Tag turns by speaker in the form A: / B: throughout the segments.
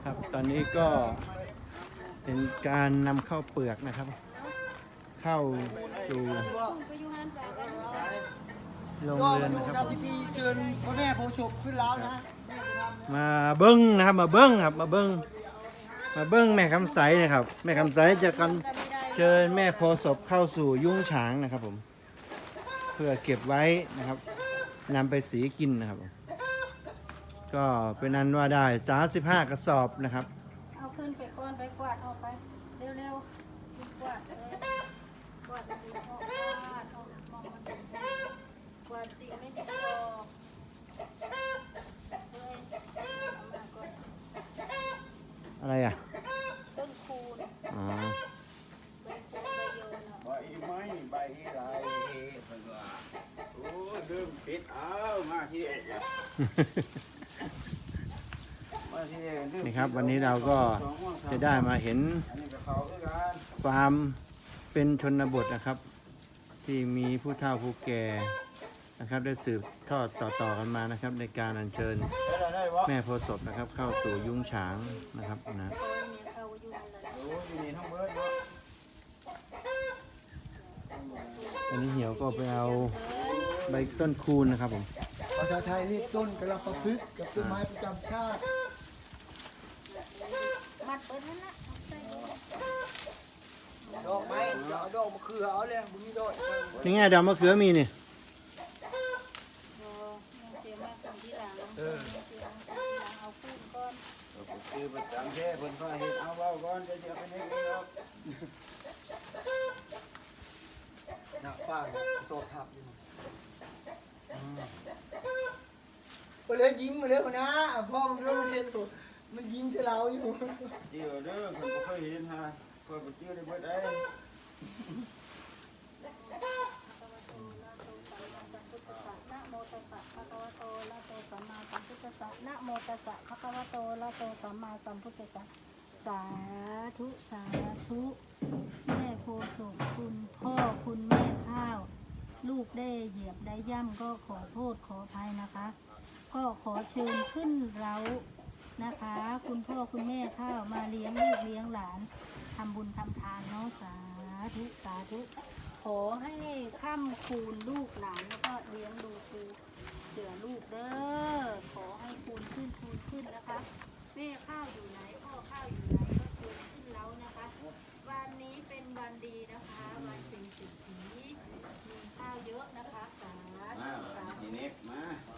A: ครับตอนนี้ก็เป็นการนำเข้าวเปลือกนะครับ เข้าสู่โรงเรือนนะครับผม
B: พิธีเชิญพระแม่โพธิ์ศพขึ้นแล้วนะ
A: มาเบิ้งนะครับมาเบิ้งครับมาเบิ้งแม่คำใสนะครับแม่คำใสจะกันเชิญแม่โพธิ์ศพเข้าสู่ยุ้งฉางนะครับผมเพื่อเก็บไว้นะครับนำไปสีกินนะครับผมก็เป็นนั้นว่าได้35กระสอบนะครับ
C: เอาขึ้นไปก้อนไปกวาดออกไปเร็วๆกวาดกวาดดีๆออกออกมองมันกวาดสิ่งไม่ดีออกเฮ้ยเอามาก่อน
A: อะไรอ่ะ
C: ต้นคูณ
A: อ๋อ
C: ใบคูณใบโยนอ่ะ
D: ใบไม้ใบลายเพิ่นว่าโอ้เริ่มปิดเอามาที่เอกอะมาที่เอกเม
A: นี่ครับวันนี้เราก็จะได้มาเห็น
D: อันนี้ก็เขาด้วยกัน
A: ความเป็นชนบทนะครับ ที่มีผู้เฒ่าผู้แก่นะครับได้สืบทอดต่อกันมานะครับ ในการอัญเชิญ
D: ได้บ่
A: แม่โพธิ์ศพนะครับ เข้าสู่ยุ้งฉางนะครับนะ
C: โอ้ยเนี่ยเข้าอยู่นั่นแหละ
D: โอ้อยู่นี่ทั้งเบิดเนาะ
A: อันนี้เหี่ยวก็ไปเอาใบต้นคูณนะครับผม
B: ภาษาไทยเรียกต้นกระประพฤกษ์กับต้นไม้ประจำชาติ
C: มัดเปิดนั่นละเอาใส่ดู
B: ดอกไม้จะเอาดอกมะเขือเอาเลยบุญนี้ดอก
A: นี่ไงดอกมะเขือมีนี่
C: โอ้ยังเสียมากคนที่หลังเสียมากคนที่หลังเอาคูณก้อน
D: ก็คือประจำแท้เพิ่นพาเฮ็ดเอาเว้าก่อนจะเอาไปเฮ็ดเองครับ
B: หนักป้าโซทับอยู่ไปเลยยิ้มมาเลยนะพ่อมันเรื่องเรียนถูกมันยิ้มที่เราอยู่
D: เดี๋ยวเด้อเพิ่นบ่เคยเห็นฮะเพิ่นบ่เจอได้เบิดได้
C: นะโมตัสสะภะคะวะโตอะระหะโตสัมมาสัมพุทธัสสะนะโมตัสสะภะคะวะโตอะระหะโตสัมมาสัมพุทธัสสะสาธุสาธุแม่โพธิ์ศพคุณพ่อคุณแม่ข้าว ลูกได้เหยียบได้ย่ำก็ขอโทษขออภัยนะคะ ก็ขอเชิญขึ้นเรานะคะ คุณพ่อคุณแม่ข้าวมาเลี้ยงลูกเลี้ยงหลานทำบุญทำทานเนาะสาธุสาธุขอให้ค่ำคูณลูกหลานแล้วก็เลี้ยงดูคูเสือลูกเด้อขอให้คูณขึ้นนะคะแม่ข้าวอยู่ไหนพ่อข้าวอยู่ไหนก็คูณขึ้นแล้วนะคะ วันนี้เป็นวันดีนะคะวันเป็นสิทธิมีข้าวเยอะนะคะสา
D: มา
C: ธุสาธุ
D: ทีนี้มา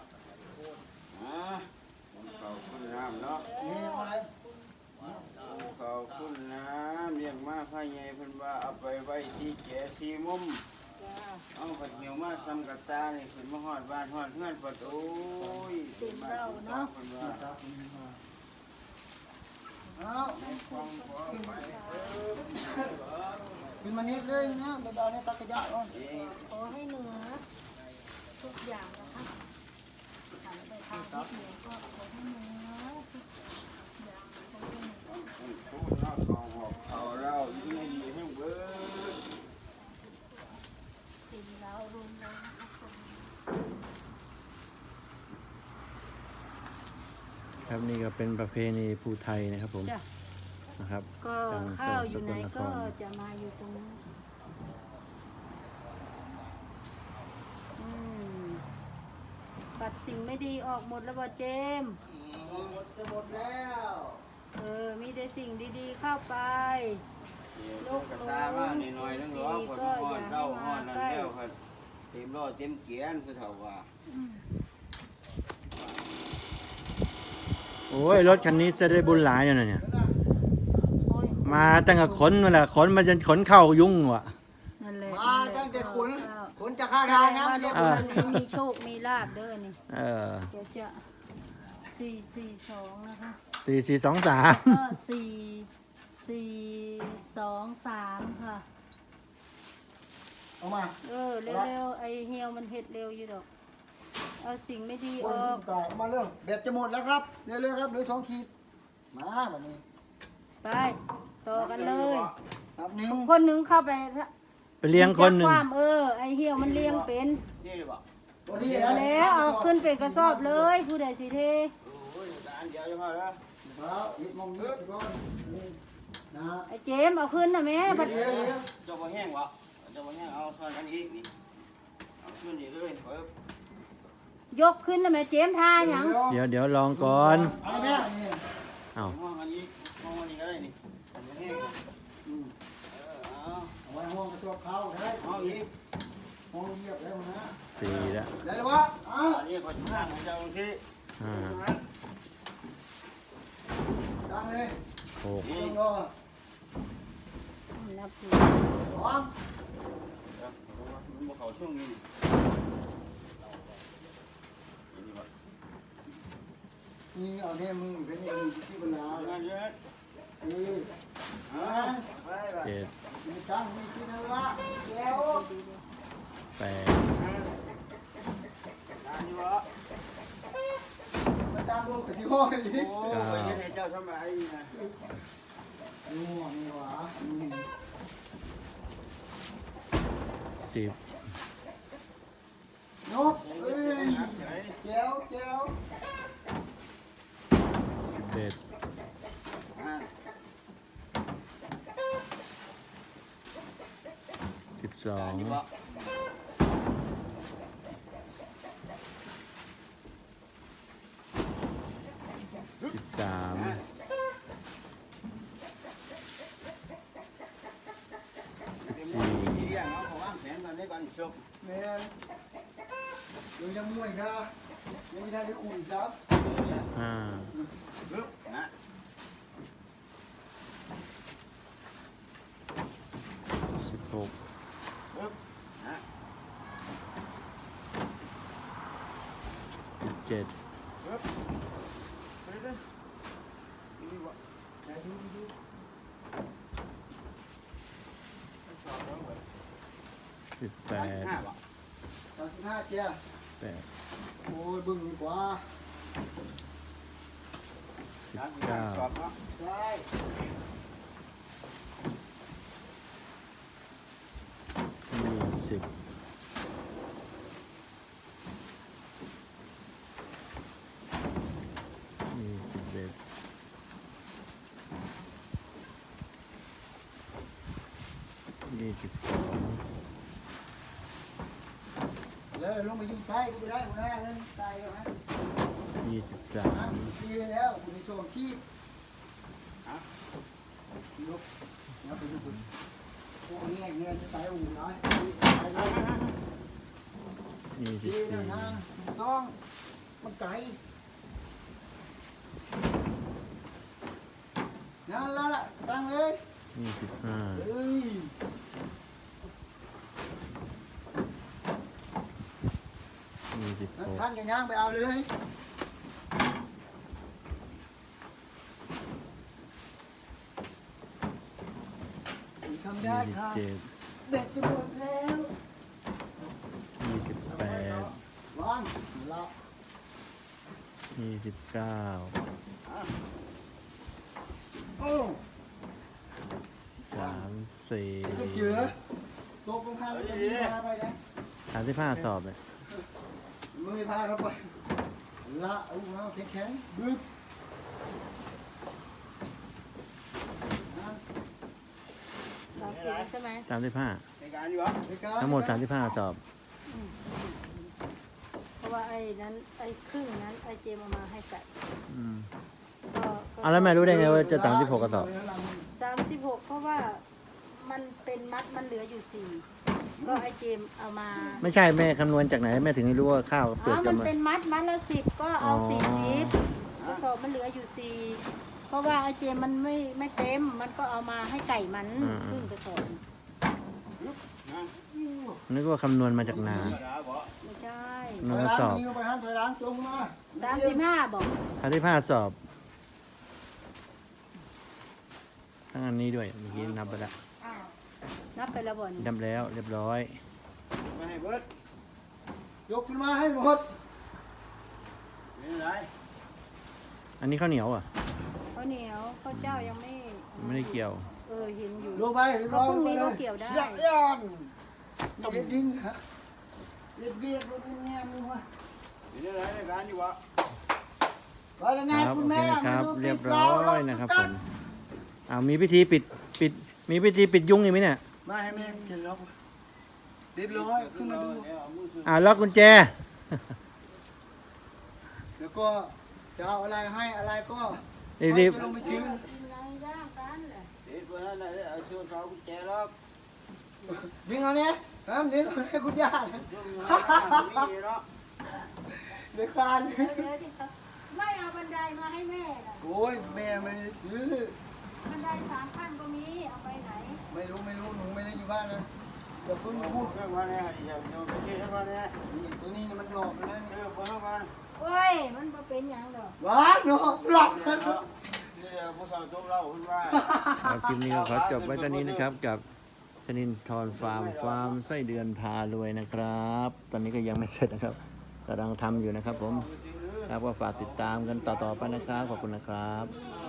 D: ขอบคุณน้ำเนาะ
B: นี่มา
D: ขอบคุณน้ำเลี้ยงมาพ่อใหญ่เพิ่นว่าเอาไปไว้ที่แก่ซีมุม
C: จ้า
D: เอาผัดเหนียวมาทำกับตานี่ขึ้นมาฮอดบ้านฮอดเพื่อนปะโอ้ยเพิ่นว่า
B: เอา
D: ฟังขอไป
B: ขึ้นมานิดเลยนะเบาๆในตักกระยะก่อน
D: เอง
C: ขอให้เหนือทุกอย่างนะคะหันไปทางทิศเหนือก็ขอให้เหนือทุกอย่างขอให้เหนือ
D: พูดเนาะของหอกเขาเราอยู่ในดีให้เบิด
C: สิ่งเรารวมแล้วนะคะ
A: ครับนี่ก็เป็นประเพณีภูไทยนะครับผม
C: จ้ะ
A: นะครับ
C: ก็ข้าวอยู่ไหนก็จะมาอยู่ตรงนี้นอืมปัดสิ่งไม่ดีออกหมดแล้วบ่เจมส์
B: จะหมดแล้ว
C: มีแต่สิ่งดีๆเข้าไป
D: ลูกกับตามาหน่อยๆนึงหรอกคนฮอดเราฮอดนั่นแล้วครับเต็มรอเต็มเกียนคือเท่าว่า
A: โอ้ยรถคันนี้จะได้บุญหลายอยู่นะเนี่ย
C: โอ้ย
A: มาตั้งแต่ขนมาละขนมาจนขนเข้ายุ่งว่ะ
C: นั่นแหละ
B: มาตั้งแต่ขนจากข้าวทางนะไม่ใช่
C: แสดง
B: ข
C: ว่าน วันนี้มีโชค มีลาบเด้อนี่
A: เออ
C: เดี๋ยวจะ442นะคะ
A: 4423
C: ก็4423ค่ะ
B: เอามา
C: เร็วๆไอเฮียวมันเฮ็ดเร็วอยู่ดอก เอาสิ่งไม่ดี
B: ค
C: อน อก
B: ตายมาเรื่องแบตจะหมดแล้วครับเร็วๆครับเหลือ2 ขีดมาวันนี้
C: ไป ต่อกันเลย
B: ครับหนึ่ง
C: คนหนึงเข้าไป
A: ไปเลี้ยงคนหนึ่ง
C: จับความไอเหี่ยวมันเลี้ยงเป็น
D: ที่หรือเปล่า
B: ตัวที่
C: แล้วเอาขึ้นเป็นกระสอบเลย ผู้ใดสิเท
D: โอ้ยอันเดียวจะพอแล้ว
B: แล้วอีกมองนี้ทุกคนนี่นะ
C: ไอ้เจมเอาขึ้นนะแม่บัด
B: เดี๋ยว
D: เจ้าบ่แห้งวะเจ้าบ่แห้งเอาซอยกันอีกนี่เอาขึ้นนี่เลยเพิ่ม
C: ยกขึ้นนะแม่เจมท่าหยัง
A: เดี๋ยวลองก่อน
B: เอาแม่นี่
A: เอ้า
D: ห้องอันนี้ห้องอันนี้ก็ได้นี่มันบ่แห้งเอา
B: เอาไว้ห้องกระสอบเขาได้
D: เอาอีก
B: ห้องเหยียบแล้วนะ
A: 4แล้ว
B: ได้แล้ววะอ้าว
D: อันนี้ก็ทางของเจ้าที่
A: 5
B: ตั้งเลย
A: 6
B: ต้องรอ
C: นับถือ
B: สอง
D: มันบ่เข้าช่วงนี้นี่วะ
B: นี่เอาเนี่ยมึงเป็นเองที่บรรดา
D: เอาเยอะ
B: อ่า
D: ไปไป
A: 7
B: มีตั้งมีที่นั่นละแล้ว
A: 8
D: อันนี้วะ
B: มาตามลูกกับที่ห้องอีก
D: โอ้ยให้เจ้าทำไมนะ
B: ง่วงนี่หวะ
A: 10
B: นกเอ้ยแก้วแก้ว
A: 11 12 13
D: เลี้ยงเอาของอ้างแขนกันได้ก่อนสุก
B: แม่ยังมวยค่ะยังไม่ทันได้คุยครับ
A: 5
D: ปึ๊บนะ
A: 16
D: ปึ๊บนะ
A: 17
D: ปึ๊บไปเลยนี่วะ
B: แต่ดูดู
D: ชอบแล้วเว้ย
A: 18
D: 5วะ
B: 35เจ้า
A: 8
B: โอ้ยบึ้งดีกว่า
D: ชอบเนาะ
B: ได้
A: 20 21
B: แล้วลงมาอยู่ใต้กูไปได้กูได้เงินตายแล้วฮะ
A: 23
B: ดีแล้วกูมีโซนขี้ยกแล้วไปดูคุณพวกนี้เงินจะตายอู่น้อยดีแล้วนะต้องมันไก่นั่นละตั้งเลย
A: 25
B: เอ้ย
A: 26
B: ท่านกันย่างไปเอาเลยทำได้ค่ะ
A: 27
B: เบ็ดจะหมดแล้ว
A: 28
B: วางละ
A: 29
B: โอ้
A: 34
B: จะเจือตกลงพาไปไปนะ
A: 35สอบเลย
B: มือพาเราไปละเอาแข็งบึ้บ
C: 30ใช่ไหม
A: 35
D: ในการอยู่วะ
A: ทั้งหมด35สอบ
C: เพราะว่าไอ้นั้นไอ้ครึ่งนั้นไอ้เจมเอามาให้กัด
A: อืม
C: ก็
A: เอาแล้วแม่รู้ได้ไงว่าจะ36กระสอบ
C: 36เพราะว่ามันเป็นมัดมันเหลืออยู่4ก็ไอ้เจมเอามา
A: ไม่ใช่แม่คำนวณจากไหนแม่ถึงได้รู้ว่าข้าวเปลือก
C: มั
A: จะ
C: น
A: มา
C: เป็นมัดละ10ก็เอา
A: อ๋อ
C: 40กระสอบมันเหลืออยู่4เพราะว่าไอ้เจมมันไม่เต็มมันก็เอามาให้ไก่มันครึ่งกระสอบ
A: นึกว่าคำนวณมาจากนา
C: ไม่ใช่
A: นวณกระสอบ
B: นี่ไปห้ามถอยหลังจงมา
C: 35บอก
A: 35สอบทั้งอันนี้ด้วยเมื่อกี้นับไปแล้ว
C: นับไปแล้วบ่นี่
A: นับแล้วเรียบร้อย
D: ไม่ให้เบิด
B: ยกขึ้นมาให้หมด
D: ไม่เป็นไร
A: อันนี้ข้าวเหนียวอ่ะ
C: ข้าวเหนียวข้าวเจ้ายังไม่
A: ไม่ได้เกี่ยว
C: เห็นอยู่
B: ลงไปเสียบย้อนเด็ดดิ้งฮะเด็ดเบียดรถแง่มึงวะ
D: ไม่เป็นไรในการอยู่วะ
B: ว่ายังไง
A: ครับ
B: คุ
A: โอ
B: ณ
A: เค
B: แม่
A: นะครับ
B: มาดู
A: เรียบ
B: ติด
A: ร้อยนะครับผมมีพิธีปิดมีพิธีปิดยุงอีกไหมเนี่ย
B: มาให้แม่เห็นแล้วเรียบร้อยขึ้นมาดู
A: ล็อกกุญแจ
B: แล้วก็จะเอาอะไรให้อะไรก็
A: รีบ
B: จะลงไปซื้อ
C: กินอะไรย่างกันแหละ
D: เด็ดบ่ทันได้เอาส่วนเขากุญแจล็อก
B: ดึงเอาเนี่ยครับดึงเอาให้คุณย่า
D: ซุ่มอยู่นั่นน่ะมีเนาะ
B: เดี๋ยวคาน
C: เดี๋ยวที่เขาไม่เอาบันไดมาให้แม่น่ะ
B: โอ้ยแม่ไม่ได้ซื้อ
C: บันได3 ขั้นก็มีเอาไปไหน
B: ไม่รู้หนูไม่ได้อยู่บ้านนะอย่าเพิ่ง
D: พู
B: พู
D: ด
B: ด
D: เรื่องว่าเนี่ยอย่าไปคิดว่าเนี่ย
B: นี่ตัวนี้มันดอกไปแล้ว
D: เอ
B: นี่
D: อบ่เข้ามา
C: โอ้ยมันบ่เป็นหยังดอก
B: ว้าเนาะหลับกัน
D: เนาะนี่ผู้สาวจมเล่าคุณว่า
A: ครับคลิปนี้ก็ขอจบไว้ตอนนี้นะครับกับชนินทรฟาร์มไส้เดือนพารวยนะครับ ตอนนี้ก็ยังไม่เสร็จนะครับกำลังทำอยู่นะครับผมครับก็ฝากติดตามกันต่อๆไปนะครับขอบคุณนะครับ